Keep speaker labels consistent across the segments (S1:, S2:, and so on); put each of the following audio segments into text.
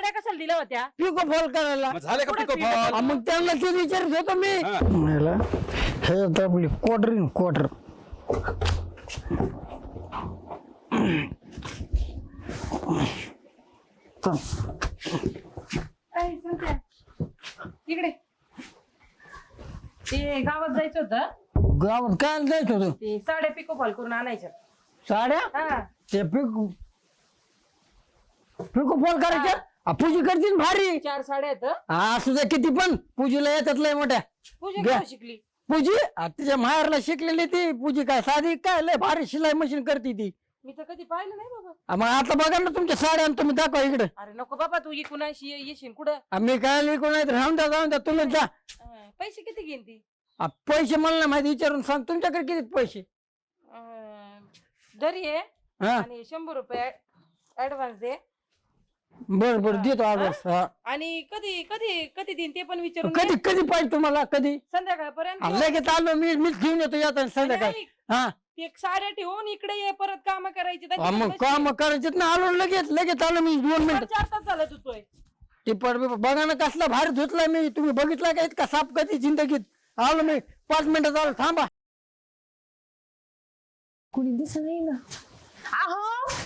S1: साड्या कशाला दिल्या होत्या?
S2: पिको फॉल करायला.
S3: मग झाले का
S1: कुठं
S3: पिको
S1: पिको
S3: फॉल?
S1: फॉल?
S2: मग त्यांना ते विचारत होतो मी.
S3: हा.
S2: म्हणलं, हे आता आपली क्वार्टर
S1: इकडे ते गावात जायचं होतं,
S2: गावात काय जायचं होतं.
S1: ते साड्या पिको फॉल करून आणायच्या.
S2: साड्या
S1: हा
S2: ते पिको फॉल करायच्या. पूजी करतील भारी.
S1: 4 साड्या आहेत.
S2: असू द्या किती पण पूजीला येतात लय मोठ्या.
S1: पूजा
S2: घ्या.
S1: केव्हा शिकली?
S2: पूजी तिच्या माहेरला शिकलेली ती पूजी. काय साधी काय लय भारी शिलाई मशीन करते ती.
S1: मी तर कधी पाहिलं नाही बाबा.
S2: मग आता बघा ना तुमच्या साड्या आणि तुम्ही दाखवा इकडे.
S1: अरे नको बाबा, तू कुणाशी येशील कुठं?
S2: मी काय लिहून नाही राहून द्या जाऊन द्या तुम्ही जा.
S1: पैसे किती घेईन ती?
S2: पैसे मला नाही माहिती, विचारून सांग तुमच्याकडे किती पैसे.
S1: दरी आहे
S2: हा
S1: आणि 100 रुपये ऍडव्हान्स दे.
S2: बर बर देतो ऍड्रेस.
S1: आणि कधी कधी कधी देईन ते पण विचारून
S2: कधी
S1: घे.
S2: कधी पाहिजे तुम्हाला कधी.
S1: संध्याकाळपर्यंत.
S2: लगेच आलो मीच घेऊन येतो येतात संध्याकाळी.
S1: आणि
S2: हा
S1: ते साड्या ठेवून इकडे ये, परत काम करायची.
S2: मग काम करायचे ना. आलो लगेच आलो मी 2 मिनिट.
S1: 4 तास झालं धुतोय.
S2: ते बघा ना कसला भारी धुतला मी. तुम्ही बघितला का इतका साप कधी जिंदगीत. आलो मी 5 मिनिटात आलो. थांबा.
S4: कुणी दिसत नाही ना. आहो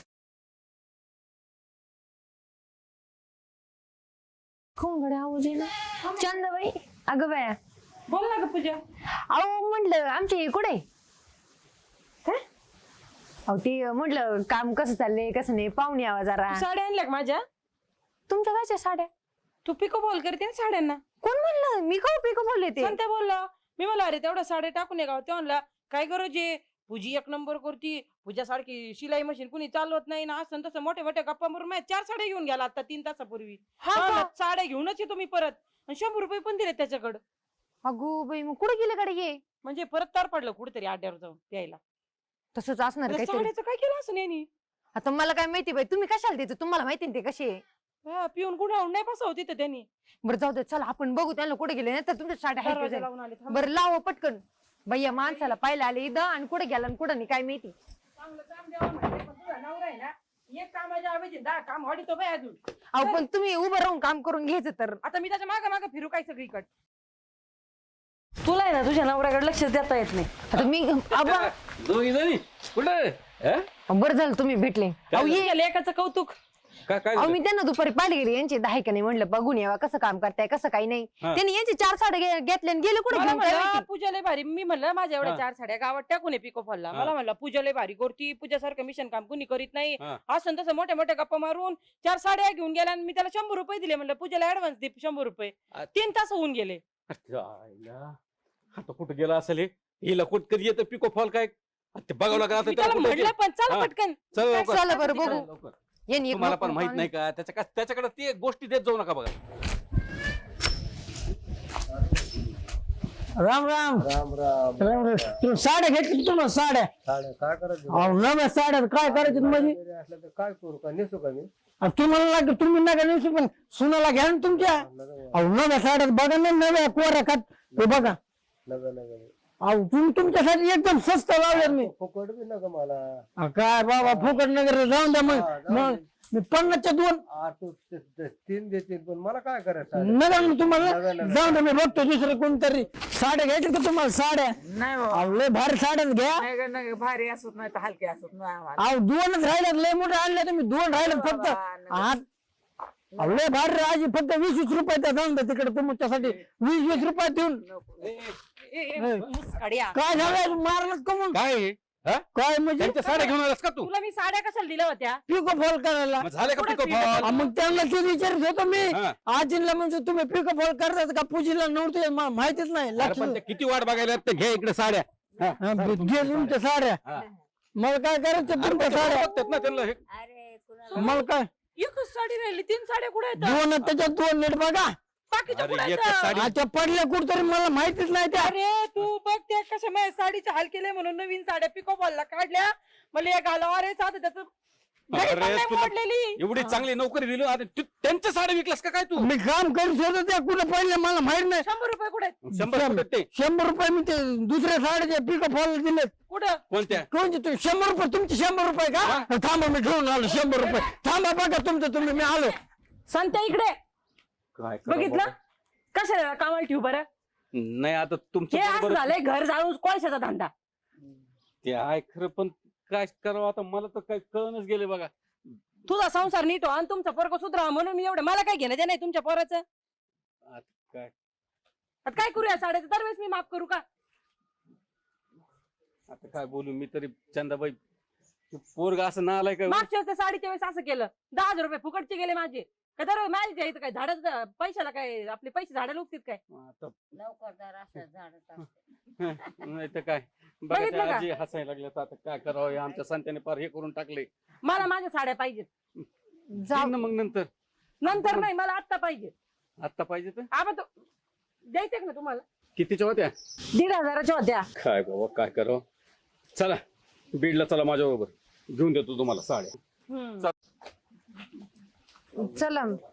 S4: कोण गड्या आवाज आहे ना. चंदाबाई. अगं बाया,
S1: बोल ना ग पूजा.
S4: अहो म्हटलं आमचे कुठे काय. अहो ते म्हटलं काम कसं चाललंय कसं नाही पाहुणे यावा जरा.
S1: साड्या आणल्या का माझ्या?
S4: तुमच्या कायच्या साड्या.
S1: तू पिको बॉल करते ना साड्यांना.
S4: कोण म्हणलं मी का पिको बोलले ते.
S1: संत्या बोलला. मी म्हणलं अरे तेवढ्या साड्या टाकून ये गाव. ते म्हणला काय गरज आहे, पूजी 1 नंबर करती. पूजा सारखी शिलाई मशीन कुणी चालवत नाही ना. असं तसं मोठ्या मोठ्या गप्पा मारून माझ्या 4 साड्या घेऊन गेला आता 3 तासापूर्वी. साड्या घेऊनच येतो मी परत. आणि 100 रुपये पण दिले त्याच्याकडं.
S4: अगो बाई मग कुठे गेले कडे ये.
S1: म्हणजे परत तार पडलं कुठेतरी आड्यावर जाऊन प्यायला.
S4: तसंच असणार
S1: त्या
S4: काहीतरी.
S1: साड्याचं काय केलं असं नाही.
S4: आता मला काय माहिती बाई तुम्ही कशाला देतो. तुम्हाला माहिती ना ते कसे आहे.
S1: पिऊन कुठं नाही बसव तिथं त्यांनी.
S4: बरं जाऊ दे चला आपण बघू त्यांना कुठे गेले नाही तर तुमच्या साड्या आहेत का
S1: दरवाजा
S4: जाईल.
S1: लावून आले. थांब.
S4: बरं लावा पटकन. भैया माणसाला पाहिलं आले इथं आणि कुठे गेला आणि कुठं नाही काय माहिती.
S1: चांगलं काम द्यावं म्हणते, पण तुझा नवरा आहे ना, एक कामाच्या ऐवजी 10 काम वाढीतो बाई अजून.
S4: अहो पण तुम्ही उभं राहून काम करून घ्यायचं तर.
S1: आता मी त्याच्या मागे मागे फिरू काय सगळीकडे. तुला आहे ना तुझ्या नवऱ्याकडे लक्ष देता येत नाही.
S4: आता मी आबा
S3: दोघी जणी कुठे?
S4: बरं झालं तुम्ही भेटले. अहो ये
S1: तुझ्या लेकाचं कौतुक.
S3: काय
S4: अहो मी त्यांना दुपारी पाहिली गेली यांची 10 का नाही म्हणलं बघून यावा कसं काम करताय कसं काही नाही. त्यांनी यांची 4 साड्या घेतल्या आणि गेले कुठे
S1: मला
S4: घेऊन काय
S1: म्हणलं,
S4: माहिती.
S1: पूजा लय भारी. मी म्हणलं माझ्या एवढ्या 4 साड्या गावात टाकून पिको फॉलला. मला म्हणलं पूजा लय भारी करती. पूजासारखं मिशन काम कुणी करीत नाही. असं तसं मोठ्या मोठ्या गप्पा मारून 4 साड्या घेऊन गेल्या आणि मी त्याला 100 रुपये दिले. म्हणलं पूजाला ऍडव्हान्स दे 100 रुपये. 3 तास होऊन गेले.
S3: आता कुठं गेला असेल हे? हिला कुठ कधी येतं पिको फॉल काय ते बघावं लागलं.
S1: मी त्याला म्हणलं पण चल पटकन.
S3: चल लवकर.
S4: चला बरं बघू.
S3: लवकर.
S4: यांनी एक
S3: तुम्हाला पण
S4: नको
S3: माहित
S4: नको
S3: नाही का त्याच्याकडे ते गोष्टी देत जाऊ नका बघा.
S2: राम राम राम राम राम. तुम्ही साड्या घेतली तुम्हाला साड्या.
S5: काय करायचं
S2: अहो नव्या साड्या काय करायचं म्हणजे.
S5: असलं तर काय करू का नेसू का मी
S2: तुम्हाला लागेल तुम्ही नका नेसू पण सुनाला घ्या ना तुमच्या. अहो नव्या साड्यात बघा ना नव्या कोऱ्या खात हे बघा.
S5: नगर नगर
S2: अहो तुम्ही तुमच्यासाठी एकदम स्वस्त लावले मी.
S5: फुकट बी नका मला.
S2: काय बाबा फुकट नगर जाऊन द्या मग मी 50च्या 2
S5: तू 3 देतील पण मला काय करायचं
S2: नका मग तुम्हाला जाऊन द्या. मी बघतो दुसरं कोणतरी. साड्या घ्यायच्या का तुम्हाला साड्या.
S6: नाही
S2: अहो लय भारी साड्याच घ्या.
S6: नाही भारी असत नाही तर हलके असत नाही आम्हाला.
S2: अहो 2च राहिल्यात लय मोठे आणले तुम्ही 2 राहिल्यात फक्त. अहो लय भारी आजी फक्त 20-20 रुपये त्या जाऊन द्या तिकडे तुमच्यासाठी 20-20 रुपये देऊन. काय झालं मारलं कमून
S3: काय
S2: काय म्हणजे
S3: त्यांच्या साड्या घेऊन आलास का तू?
S1: तुला मी साड्या कशाला दिल्या होत्या?
S2: पिको फॉल करायला.
S3: मग झाले का पिको
S1: कुठं
S3: फॉल?
S2: मग त्यांना ते विचारत होतो मी.
S3: हा.
S2: आजीला म्हणजे तुम्ही पिको फॉल करतात का पूजीला नव्हते माहितीच नाही.
S3: अरे
S2: लक्ष
S3: पण ते किती वाट बघायला ते घे इकडे साड्या.
S2: घे तुमच्या साड्या.
S3: हा.
S2: मला काय करायचं तुमच्या साड्या.
S3: बघतात ना त्यांना हे.
S2: मला काय
S1: एकच साडी राहिली. 3 साड्या कुठे आहेत?
S2: 2 त्याच्यात 2 नीट बघा.
S1: बाकीच्या
S3: अरे,
S1: कुठे
S3: एक
S1: आहेत?
S3: साडी
S2: अच्छा पडल्या कुठतरी मला माहितीच नाही त्या.
S1: अरे तू बघ त्या कशा माझ्या साडीचे हाल केले म्हणून नवीन साड्या पिको फॉलला काढल्या. मला एक घालावं. अरे साधं त्याचं घरी पण
S3: अरे
S1: नाही
S3: तुला
S1: मोडलेली.
S3: एवढी चांगली नोकरी दिली आता त्यांच्या साड्या विकलास का काय तू?
S2: मी काम करीत होतो त्या कुठे पडले मला माहित नाही.
S1: 100 रुपये कुठे आहेत?
S3: 100 रुपये ते
S2: 100 रुपये मी ते दुसऱ्या साड्याचे पिको फॉल दिले.
S1: कुठं?
S3: कोणत्या?
S2: कोणते तुम्ही 100 रुपये तुमचे 100 रुपये का. थांबा मी घेऊन आलो 100 रुपये. थांबा बघा तुमचं तुम्ही मी आलो.
S1: सांगते इकडे
S3: काय करावं
S1: बघितलं
S3: बाबा?
S1: कशाला कामाला ठेवू बरं
S3: नाही आता तुमचं
S1: हे असं
S3: बरोबर
S1: झालंय घर जाळून कोळशाचा धंदा
S3: ते आहे खरं, पण काय करावं आता मला तर काही कळूनच गेले बघा.
S1: तुझा संसार नीट हो आणि तुमचा पोरगा सुधरावा म्हणून मी एवढं मला काय घेणं ते नाही तुमच्या पोराचं
S3: आता काय
S1: आता काय करूया साड्याचं दरवेळेस मी माफ करू का
S3: आता काय बोलू मी तरी चंदाबाई, पोरगा असं ना आलाय काय?
S1: मागच्या वेळेस त्या साडीच्या वेळेस असं केलं 10,000 रुपये फुकटचे गेले माझे काय दर माझ्या इथं काय झाडाचं पैशाला काय आपले पैसे झाडाला उगतील काय
S3: आता
S6: नोकरदार असं झाड
S3: नाही तर काय बघा
S1: बघितलं
S3: त्या
S1: का?
S3: आजी हसायला लागल्यात. आता काय करावं हे आमच्या संत्याने पार हे करून टाकले.
S1: मला माझ्या साड्या पाहिजेत
S3: देईन ना मग नंतर.
S1: नंतर नाही मला आत्ता पाहिजे
S3: आता पाहिजे तर
S1: आपण तो द्यायचे ना तुम्हाला
S3: कितीच्या होत्या?
S1: 1,500 होत्या
S3: काय बाबा काय करावं. चला बीडला चला माझ्या बरोबर, घेऊन देतो तुम्हाला साड्या.
S1: हम्म.
S4: चला